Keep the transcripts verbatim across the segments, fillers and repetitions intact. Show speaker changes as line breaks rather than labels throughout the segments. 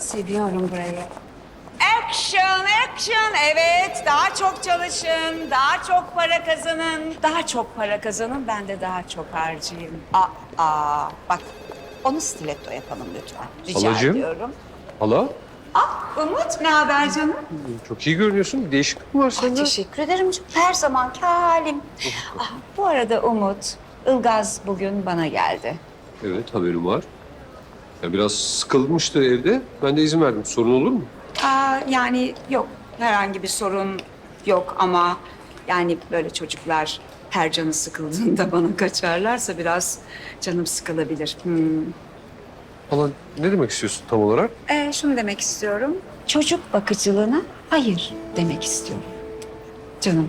Seviyorum burayı. Action, action. Evet, daha çok çalışın, daha çok para kazanın. Daha çok para kazanın, ben de daha çok harcayayım. Aa, aa bak, onu stiletto yapalım lütfen. Rica
Halacığım.
ediyorum.
Hala,
Ah, Umut, ne haber canım?
çok iyi görünüyorsun. Bir değişiklik mi var
Ah,
sende?
teşekkür ederim canım. Her zamanki halim. Ah, bu arada Umut, Ilgaz bugün bana geldi.
Evet, haberim var. Ya biraz sıkılmıştı evde. Ben de izin verdim. Sorun olur mu?
Aa, yani yok, herhangi bir sorun yok ama yani böyle çocuklar her canı sıkıldığında bana kaçarlarsa biraz canım sıkılabilir. Hmm.
Hala, ne demek istiyorsun tam olarak?
Ee, şunu demek istiyorum, çocuk bakıcılığına hayır demek istiyorum. Canım.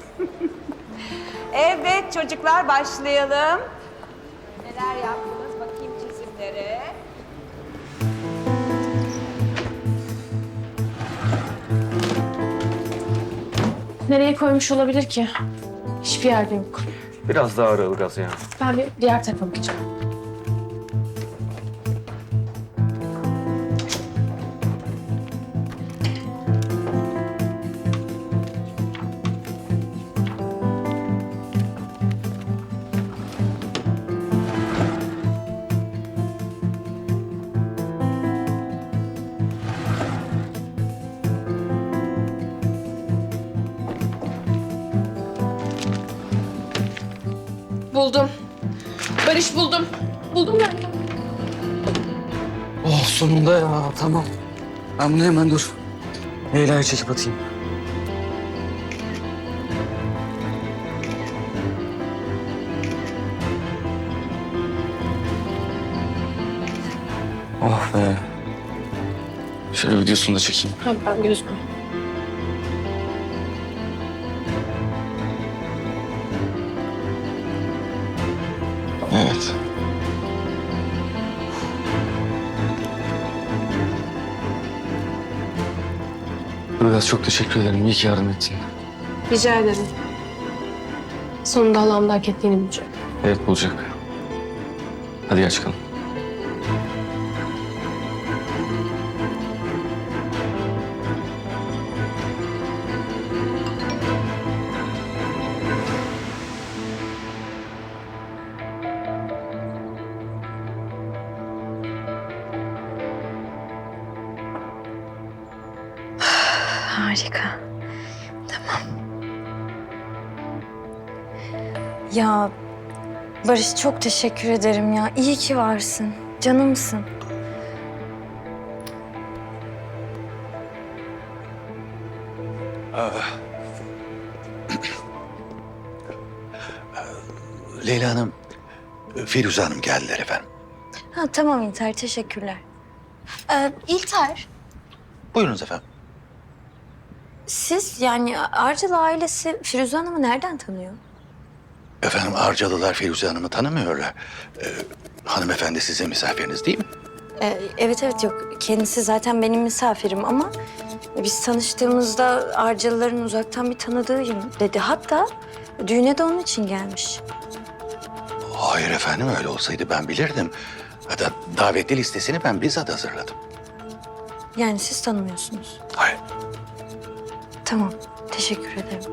Evet çocuklar, başlayalım. Neler yaptınız bakayım çizimlere.
Nereye koymuş olabilir ki? Hiçbir yerde yok.
Biraz daha ara Ilgaz ya.
Ben bir diğer tarafa bakacağım. Buldum. Barış buldum. Buldum ben.
Oh sonunda ya tamam. Ben bunu hemen dur. Leyla'yı çekip atayım. Oh be. Şöyle videosunu da çekeyim.
Ha, ben gözükmüyor.
Evet. Ilgaz çok teşekkür ederim. İyi ki yardım ettin.
Rica ederim. Sonunda halamda hak ettiğini bulacak.
Evet bulacak. Hadi gel çıkalım.
Harika. Tamam. Ya Barış çok teşekkür ederim ya. İyi ki varsın. Canımsın.
Leyla Hanım, Firuze Hanım geldiler efendim.
Ha tamam İlter, teşekkürler. Ee, İlter,
Buyurunuz efendim.
siz yani Arcalı ailesi Firuze Hanım'ı nereden tanıyor?
Efendim Arcalılar Firuze Hanım'ı tanımıyorlar. Ee, hanımefendi sizin misafiriniz değil mi?
Ee, evet evet yok. Kendisi zaten benim misafirim ama biz tanıştığımızda Arcalıların uzaktan bir tanıdığıyım dedi. Hatta düğüne de onun için gelmiş.
Hayır efendim, öyle olsaydı ben bilirdim. Hatta davetli listesini ben bizzat hazırladım.
Yani siz tanımıyorsunuz.
Hayır.
Tamam, teşekkür ederim.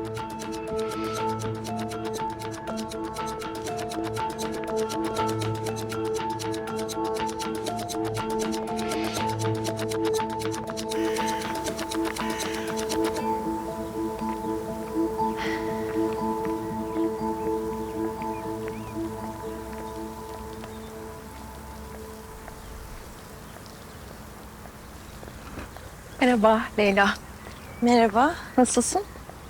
Merhaba Leyla.
Merhaba.
Nasılsın?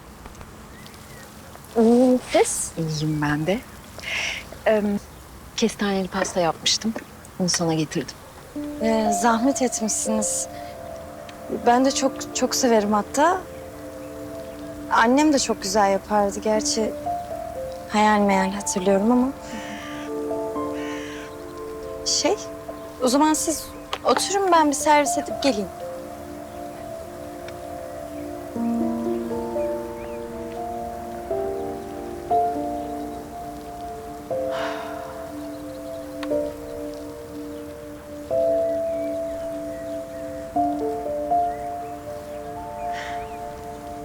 İyiyim siz?
İyiyim ben de. Ee, kestaneli pasta yapmıştım. Onu sana getirdim.
Ee, zahmet etmişsiniz. Ben de çok çok severim hatta. Annem de çok güzel yapardı gerçi. Hayal meyal hatırlıyorum ama. Şey, o zaman siz oturun, ben bir servis edip geleyim.